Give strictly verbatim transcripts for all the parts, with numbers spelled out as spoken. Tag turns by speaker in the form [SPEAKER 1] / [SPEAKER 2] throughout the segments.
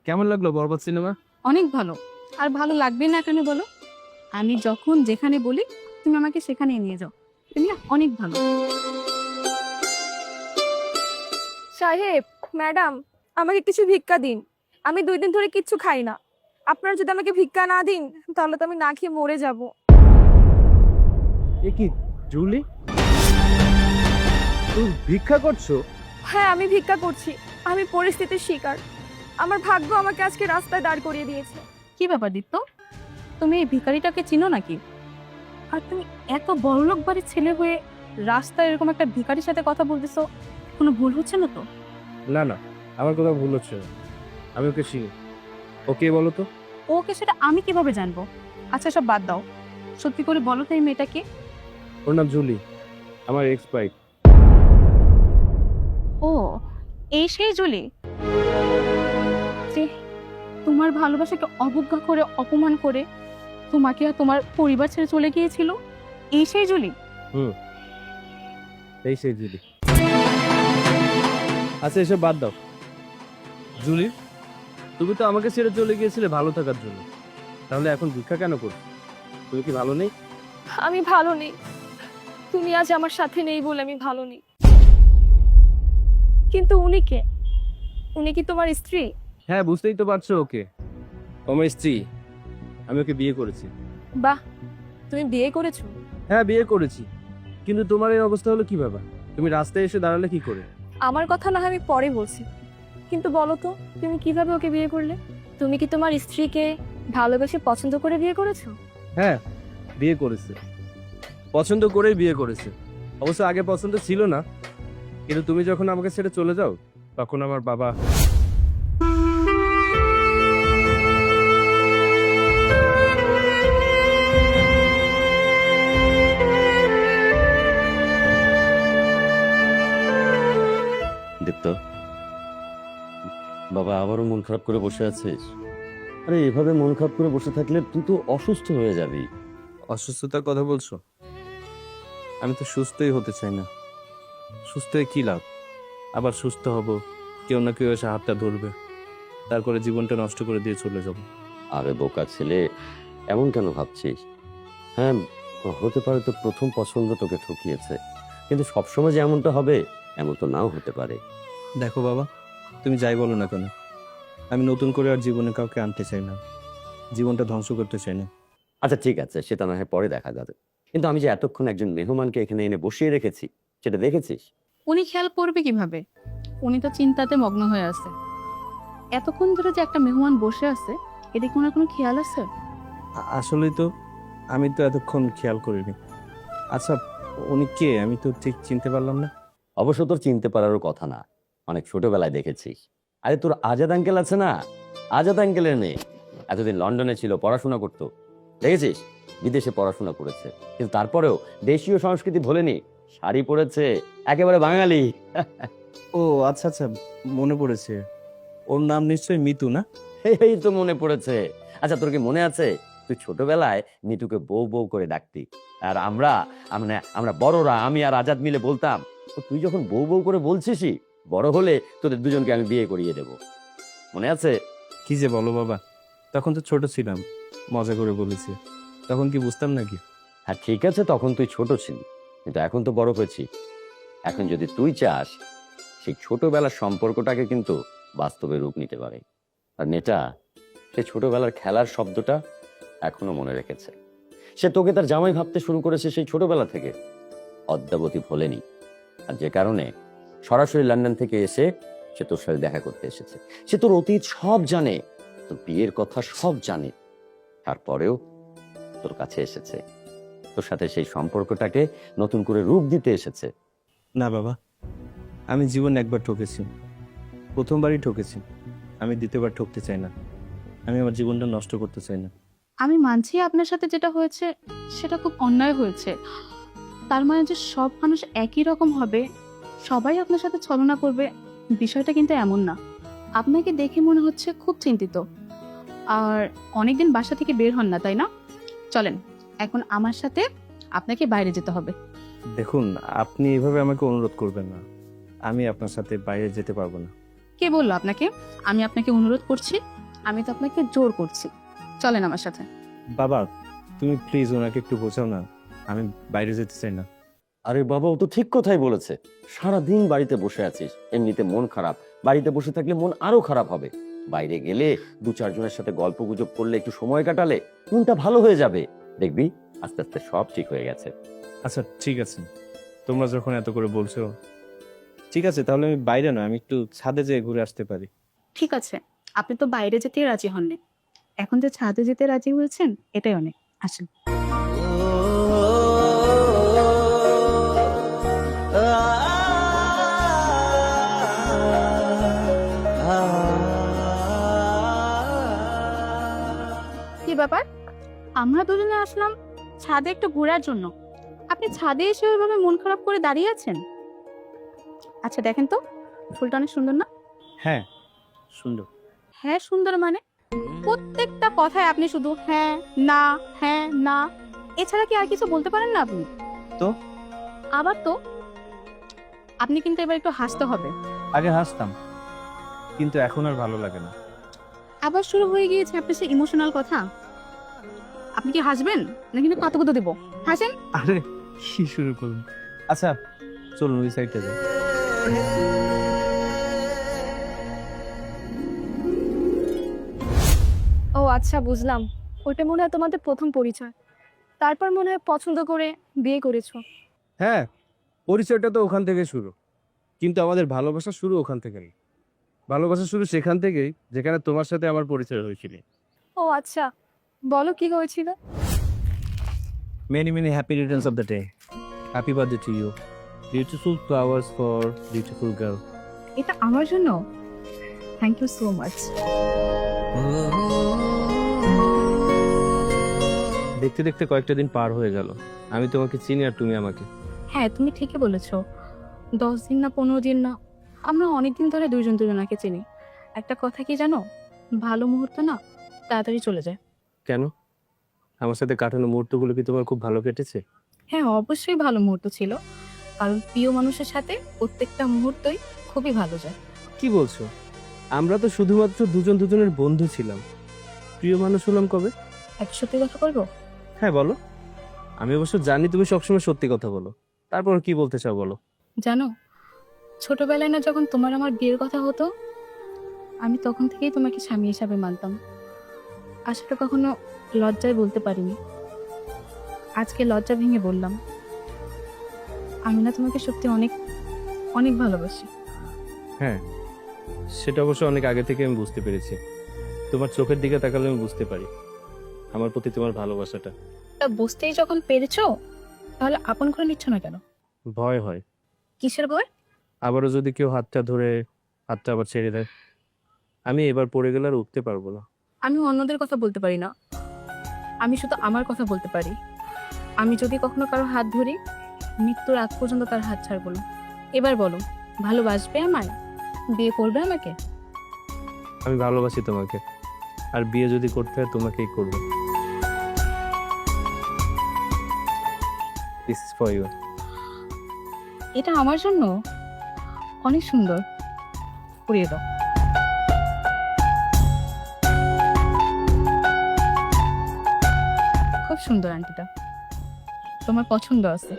[SPEAKER 1] কেমন লাগলো বরবাদ সিনেমা?
[SPEAKER 2] অনেক ভালো। আর ভালো লাগবে না কেন বলো? আমি যখন যেখানে বলি তুমি আমাকে সেখানেই নিয়ে যাও। তুমি না অনেক ভালো।
[SPEAKER 3] সাহেব, ম্যাডাম, আমাকে কিছু ভিক্ষা দিন। আমি দুই দিন ধরে কিচ্ছু খাই না। আপনারা যদি আমাকে ভিক্ষা না দিন তাহলে তো আমি না খেয়ে মরে যাব।
[SPEAKER 1] এ কি জুলি, তুমি ভিক্ষা করছো?
[SPEAKER 3] হ্যাঁ, আমি ভিক্ষা করছি। আমি পরিস্থিতির শিকার। আমার ভাগ্য আমাকে আজকে রাস্তায় দাঁড় করিয়ে দিয়েছে।
[SPEAKER 2] কি ব্যাপার দীপ্ত? তুমি এই ভিখারিটাকে চিনো নাকি? আর তুমি এত বড়লোক বাড়ির ছেলে হয়ে রাস্তায় এরকম একটা ভিখারির সাথে কথা বলতেছো, কোনো ভুল হচ্ছে না তো?
[SPEAKER 1] না না, আমার কথা ভুল হচ্ছে না। আমি ওকে চিনি। ওকে বলো তো।
[SPEAKER 2] ওকে সেটা আমি কিভাবে জানবো? আচ্ছা সব বাদ দাও, সত্যি করে বলো তো এই মেয়েটাকে।
[SPEAKER 1] ওর নাম জুলি, আমার এক্স বাইক।
[SPEAKER 2] ও, এই সেই জুলি যে তোমার ভালোবাসাকে অবজ্ঞা করে অপমান করে তোমাকে আর তোমার পরিবার ছেড়ে চলে গিয়েছিল। এই সেই জুলি।
[SPEAKER 1] হুম, এই সেই জুলি। আচ্ছা এসব বাদ দাও। জুলি, তুমি তো আমাকে ছেড়ে চলে গিয়েছিলে ভালো থাকার জন্য, তাহলে এখন ভিক্ষা কেন করছো? তুমি কি ভালো নেই?
[SPEAKER 3] আমি ভালো নেই। তুমি আজ আমার সাথে নেই বলে আমি ভালো নেই। কিন্তু উনি কে? উনি কি তোমার স্ত্রী?
[SPEAKER 1] হ্যাঁ, বুঝতেই তো পারছো ওকে। ও আমার স্ত্রী। আমি ওকে বিয়ে করেছি।
[SPEAKER 3] বাহ, তুমি বিয়ে করেছো?
[SPEAKER 1] হ্যাঁ বিয়ে করেছি, কিন্তু তোমার এই অবস্থা হলো কিভাবে? তুমি রাস্তায় এসে দাঁড়ালে কি করে?
[SPEAKER 3] আমার কথা না হয় আমি পরে বলছি, কিন্তু বলো তো তুমি কিভাবে ওকে বিয়ে করলে? তুমি কি তোমার স্ত্রীকে ভালোবেসে পছন্দ করে বিয়ে করেছো?
[SPEAKER 1] হ্যাঁ, বিয়ে করেছে, পছন্দ করেই বিয়ে করেছে। অবশ্য আগে পছন্দ ছিল না, কিন্তু তুমি যখন আমাকে ছেড়ে চলে যাও তখন আমার বাবা।
[SPEAKER 4] দীপ্ত, বাবা আবারও মন খারাপ করে বসে আছিস? আরে এভাবে মন খারাপ করে বসে থাকলে তুই তো অসুস্থ হয়ে যাবি।
[SPEAKER 1] অসুস্থতার কথা বলছো? আমি তো সুস্থই হতে চাই না। সুস্থ হয়ে কি লাভ? আবার সুস্থ হব, কেউ না কেউ এসে হাতটা ধরবে, তারপরে জীবনটা নষ্ট করে দিয়ে চলে যাব।
[SPEAKER 4] আরে বোকা ছেলে, এমন কেন ভাবছিস? হ্যাঁ, হতে পারে তো প্রথম পছন্দ তোকে ঠকিয়েছে, কিন্তু সবসময় যে এমনটা হবে এমন তো নাও হতে পারে।
[SPEAKER 1] দেখো বাবা, তুমি যাই বলো না কেন, আমি নতুন করে আর জীবনে কাউকে আনতে চাই না, জীবনটা ধ্বংস করতে চাই না।
[SPEAKER 4] আচ্ছা ঠিক আছে, সেটা না হয় পরে দেখা যাবে, কিন্তু আমি যে এতক্ষণ একজন মেহমানকে এখানে এনে বসিয়ে রেখেছি সেটা দেখেছিস?
[SPEAKER 2] উনি খেয়াল করবে কিভাবে? উনি তো চিন্তাতে মগ্ন হয়ে আছে। এতক্ষণ ধরে যে একটা মেহমান বসে আছে, এদিকে কি ওনার কোনো খেয়াল আছে?
[SPEAKER 1] আ- আসলেই তো আমি তো এতক্ষণ খেয়াল করিনি। আচ্ছা, উনি কে? আমি তো ঠিক চিনতে পারলাম না।
[SPEAKER 4] অবশ্য তোর চিনতে পারারও কথা না, অনেক ছোটবেলায় দেখেছিস। আরে তোর আজাদ আঙ্কেল আছে না, আজাদ আঙ্কেলের মেয়ে। এতদিন লন্ডনে ছিল, পড়াশোনা করতো, দেখেছিস? বিদেশে পড়াশোনা করেছে, কিন্তু তারপরেও দেশীয় সংস্কৃতি ভোলেনি, শাড়ি পরেছে, একেবারে বাঙালি।
[SPEAKER 1] ও আচ্ছা আচ্ছা, মনে পড়েছে। ওর নাম নিশ্চয়ই মিতু, না?
[SPEAKER 4] এই তো মনে পড়েছে। আচ্ছা তোর কি মনে আছে তুই ছোটবেলায় নিতুকে বউ বউ করে ডাকতি, আর আমরা আমরা আমরা বড়রা, আমি আর আজাদ মিলে বলতাম, তো তুই যখন বউ বউ করে বলছিসই, বড় হলে তোদের দুজনকে আমি বিয়ে করিয়ে দেব। মনে আছে?
[SPEAKER 1] কি যে বলো বাবা, তখন তো ছোট ছিলাম, মজা করে বলেছি। তখন কি বুঝতাম নাকি?
[SPEAKER 4] হ্যাঁ ঠিক আছে, তখন তুই ছোট ছিলি, কিন্তু এখন তো বড় হয়েছি। এখন যদি তুই চাস, সেই ছোটবেলার সম্পর্কটাকে কিন্তু বাস্তবে রূপ নিতে পারে। আর মেয়েটা সেই ছোটবেলার খেলার শব্দটা এখনো মনে রেখেছে। সে তোকে তার জামাই ভাবতে শুরু করেছে সেই ছোটবেলা থেকে, অদ্যাবধি ভোলেনি। আর যে কারণে সরাসরি লন্ডন থেকে এসে সে তোর সাথে দেখা করতে এসেছে। সে তোর অতীত সব জানে, তোর বিয়ের কথা সব জানে, তারপরেও তোর কাছে এসেছে, তোর সাথে সেই সম্পর্কটাকে নতুন করে রূপ দিতে এসেছে।
[SPEAKER 1] না বাবা, আমি জীবনে একবার ঠকেছি, প্রথমবারই ঠকেছি। আমি দ্বিতীয়বার ঠকতে চাই না। আমি আমার জীবনটা নষ্ট করতে চাই না।
[SPEAKER 2] আমি মানছি আপনার সাথে যেটা হয়েছে সেটা খুব অন্যায় হয়েছে। তার মানে যে সব মানুষ একই রকম হবে, সবাই আপনার সাথে ছলনা করবে, বিষয়টা কিন্তু এমন না। আপনাকে দেখে মনে হচ্ছে খুব চিন্তিত, আর অনেকদিন বাসা থেকে বের হন না, তাই না? চলেন এখন আমার সাথে আপনাকে বাইরে যেতে হবে।
[SPEAKER 1] দেখুন, আপনি এভাবে আমাকে অনুরোধ করবেন না। আমি আপনার সাথে বাইরে যেতে পারবো না।
[SPEAKER 2] কে বললো আপনাকে আমি আপনাকে অনুরোধ করছি? আমি তো আপনাকে জোর করছি। চলেন আমার সাথে।
[SPEAKER 1] বাবা, তুমি প্লিজ ওনাকে একটু বোঝাও না, আমি বাইরে যেতে চাই না।
[SPEAKER 4] আরে বাবা, ও তো ঠিক কথাই বলেছে। সারাদিন বাড়িতে বসে আছিস, এমনিতে মন খারাপ, বাড়িতে বসে থাকলে মন আরো খারাপ হবে। বাইরে গেলে দু চারজনের সাথে গল্প গুজব করলে, একটু সময় কাটালে মনটা ভালো হয়ে যাবে। দেখবি আস্তে আস্তে সব ঠিক হয়ে গেছে।
[SPEAKER 1] আচ্ছা ঠিক আছে, তোমরা যখন এত করে বলছো, ঠিক আছে তাহলে আমি বাইরে না, আমি একটু ছাদে যেয়ে ঘুরে আসতে পারি।
[SPEAKER 2] ঠিক আছে, আপনি তো বাইরে যেতে রাজি হননি, এখন যে ছাদে যেতে রাজি হয়েছেন এটাই অনেক। আসেন। কি ব্যাপার, আমরা দুজনে আসলাম ছাদে একটু ঘোরার জন্য, আপনি ছাদে এসে ওইভাবে মন খারাপ করে দাঁড়িয়ে আছেন? আচ্ছা দেখেন তো, ফুলটা অনেক সুন্দর না?
[SPEAKER 1] হ্যাঁ সুন্দর।
[SPEAKER 2] হ্যাঁ সুন্দর মানে? প্রত্যেকটা কথায় আপনি শুধু হ্যাঁ না হ্যাঁ না, এছাড়া কি আর কিছু বলতে পারেন না আপনি?
[SPEAKER 1] তো
[SPEAKER 2] আবার তো, আপনি কিন্তু এবার একটু হাসতে হবে।
[SPEAKER 1] আগে হাসতাম, কিন্তু এখন আর ভালো লাগে না।
[SPEAKER 2] আবার শুরু হয়ে গিয়েছে আপনার সেই ইমোশনাল কথা। আপনি কি হাসবেন না কিন্তু কতকত দেব? হাসেন।
[SPEAKER 1] আরে কি শুরু করুন। আচ্ছা চলুন ওই সাইডে যাই।
[SPEAKER 3] ও আচ্ছা, বুঝলাম। ওইটা মনে হয় তোমাদের প্রথম পরিচয়, তারপর মনে হয় পছন্দ করে বিয়ে করেছো।
[SPEAKER 1] হ্যাঁ, পরিচয়টা তো ওখান থেকে শুরু, কিন্তু আমাদের ভালোবাসা শুরু ওখান থেকে না। ভালোবাসা শুরু সেখান থেকেই যেখানে তোমার সাথে আমার পরিচয় হয়েছিল।
[SPEAKER 3] ও আচ্ছা, বলো কি হয়েছিল?
[SPEAKER 1] Many many happy returns of the day. Happy birthday to you. Beautiful flowers for beautiful girl.
[SPEAKER 2] এটা আমার জন্য? Thank you so much.
[SPEAKER 1] দেখতে দেখতে কয়েকটা দিন পার হয়ে গেল, আমি তোমাকে চিনি আর তুমি আমাকে।
[SPEAKER 2] হ্যাঁ তুমি ঠিকই বলেছো, দশ দিন না পনেরো দিন না, আমরা অনেকদিন ধরে দুইজন দুজনাকে চিনি। একটা কথা কি জানো, ভালো মুহূর্ত না তাড়াতাড়ি চলে যায়।
[SPEAKER 1] কেন, আমার সাথে কাটানো মুহূর্তগুলো কি তোমার খুব ভালো কেটেছে?
[SPEAKER 2] হ্যাঁ অবশ্যই ভালো মুহূর্ত ছিল, কারণ প্রিয় মানুষের সাথে প্রত্যেকটা মুহূর্তই খুবই ভালো যায়।
[SPEAKER 1] কি বলছো? আমরা তো শুধুমাত্র দুজন দুজনের বন্ধু ছিলাম, প্রিয় মানুষ হলাম কবে?
[SPEAKER 2] এক সত্যি কথা বলবো?
[SPEAKER 1] হ্যাঁ বলো। আমি অবশ্য জানি তুমি সবসময় সত্যি কথা বলো, তারপর কি বলতে চাও বলো।
[SPEAKER 2] জানো, ছোটবেলায় না যখন তোমার আমার বিয়ের কথা হতো, আমি তখন থেকেই তোমাকে স্বামী হিসাবে মানতাম। আসলে কখনো লজ্জায় বলতে পারিনি, আজকে লজ্জা ভেঙে বললাম, আমি না তোমাকে সত্যি অনেক অনেক ভালোবাসি।
[SPEAKER 1] হ্যাঁ, সেটা অবশ্য অনেক আগে থেকে আমি বুঝতে পেরেছি। তোমার চোখের দিকে তাকালে আমি বুঝতে পারি আমার প্রতি তোমার ভালোবাসাটা।
[SPEAKER 2] তা বুঝতেই যখন পেরেছো, তাহলে আপন করে নিচ্ছ না কেন?
[SPEAKER 1] ভয় হয়,
[SPEAKER 2] কিসের ভয়?
[SPEAKER 1] আবারও যদি কেউ হাতটা ধরে হাতটা আবার ছেড়ে দেয়, আমি এবার পড়ে গেলে আর উঠতে পারবো না।
[SPEAKER 2] আমি অন্যদের কথা বলতে পারি না, আমি শুধু আমার কথা বলতে পারি। আমি যদি কখনো কারো হাত ধরি, মৃত্যুর আগ পর্যন্ত তার হাত ছাড়বো না। এবার বলো, ভালোবাসবে আমায়? বিয়ে করবে আমাকে?
[SPEAKER 1] আমি ভালোবাসি তোমাকে, আর বিয়ে যদি করতে হয় তোমাকেই করবো। This is for you.
[SPEAKER 2] এটা আমার জন্য? অনেক সুন্দর, পরিয়ে দাও। খুব সুন্দর আন্টিটা, তোমার পছন্দ আছে।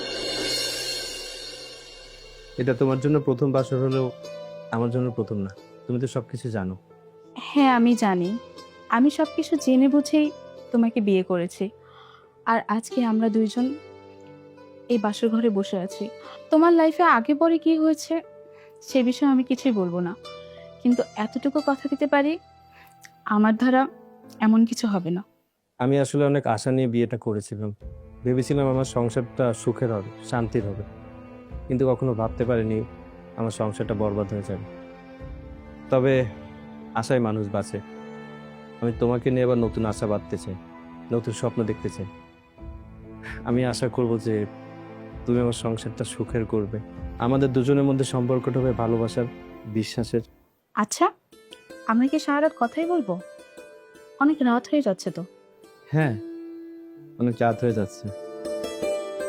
[SPEAKER 1] এটা তোমার জন্য প্রথম বাসর হলেও আমার জন্য প্রথম না, তুমি তো সবকিছু জানো।
[SPEAKER 2] হ্যাঁ আমি জানি, আমি সবকিছু জেনে বুঝেই তোমাকে বিয়ে করেছি, আর আজকে আমরা দুইজন এই বাসর ঘরে বসে আছি। তোমার লাইফে আগে পরে কি হয়েছে সে বিষয়ে আমি কিছুই বলবো না, কিন্তু এতটুকু কথা দিতে পারি, আমার দ্বারা এমন কিছু হবে না।
[SPEAKER 1] আমি আসলে অনেক আশা নিয়ে বিয়েটা করেছিলাম, ভেবেছিলাম আমার সংসারটা সুখের হবে, শান্তির হবে, কিন্তু কখনো ভাবতে পারিনি আমার সংসারটা বরবাদ হয়ে যাবে। তবে আশায় মানুষ বাঁচে, আমি তোমাকে নিয়ে আবার নতুন আশা বাঁধতে চাই, নতুন স্বপ্ন দেখতে চাই। আমি আশা করব যে তুমি আমার সংসারটা সুখের করবে, আমাদের দুজনের মধ্যে সম্পর্কটা হবে ভালোবাসার, বিশ্বাসের।
[SPEAKER 2] আচ্ছা, আমরা কি সারা রাত কথাই বলবো? অনেক রাত হয়ে যাচ্ছে তো।
[SPEAKER 1] হ্যাঁ, অনেক রাত হয়ে যাচ্ছে।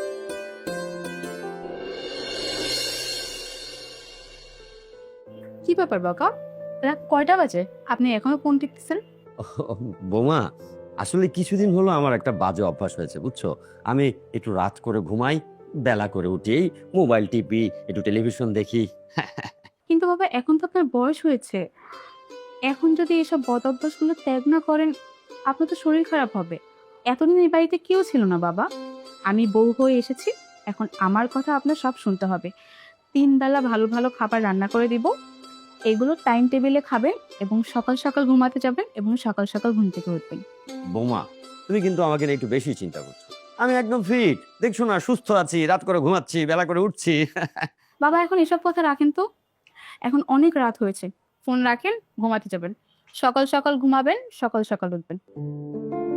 [SPEAKER 2] কি ব্যাপার বাবা, রাত কয়টা বাজে, আপনি এখনো ফোন টিপতেছেন?
[SPEAKER 4] বোমা, আসলে কিছুদিন হলো আমার একটা বাজে অভ্যাস হয়েছে বুঝছো। আমি একটু রাত করে ঘুমাই, বেলা করে উঠি, মোবাইল টিপি, একটু টেলিভিশন দেখি।
[SPEAKER 2] কিন্তু বাবা এখন তো আপনার বয়স হয়েছে, এখন যদি এসব বদ অভ্যাসগুলো ত্যাগ না করেন আপনার তো শরীর খারাপ হবে। এতদিন এই বাড়িতে কেউ ছিল না বাবা, আমি বউ হয়ে এসেছি, এখন আমার কথা আপনার সব শুনতে হবে। তিন বেলা ভালো ভালো খাবার রান্না করে দিব, এগুলো টাইম টেবিলে খাবেন এবং সকাল সকাল ঘুমাতে যাবেন এবং সকাল সকাল ঘুম থেকে উঠবেন।
[SPEAKER 4] বোমা, তুমি কিন্তু আমাকে নিয়ে একটু বেশি চিন্তা করছো। আমি একদম ফিট, দেখছো না, সুস্থ আছি, রাত করে ঘুমাচ্ছি, বেলা করে উঠছি।
[SPEAKER 2] বাবা এখন এসব কথা রাখেন তো, এখন অনেক রাত হয়েছে, ফোন রাখেন, ঘুমাতে যাবেন, সকাল সকাল ঘুমাবেন, সকাল সকাল উঠবেন।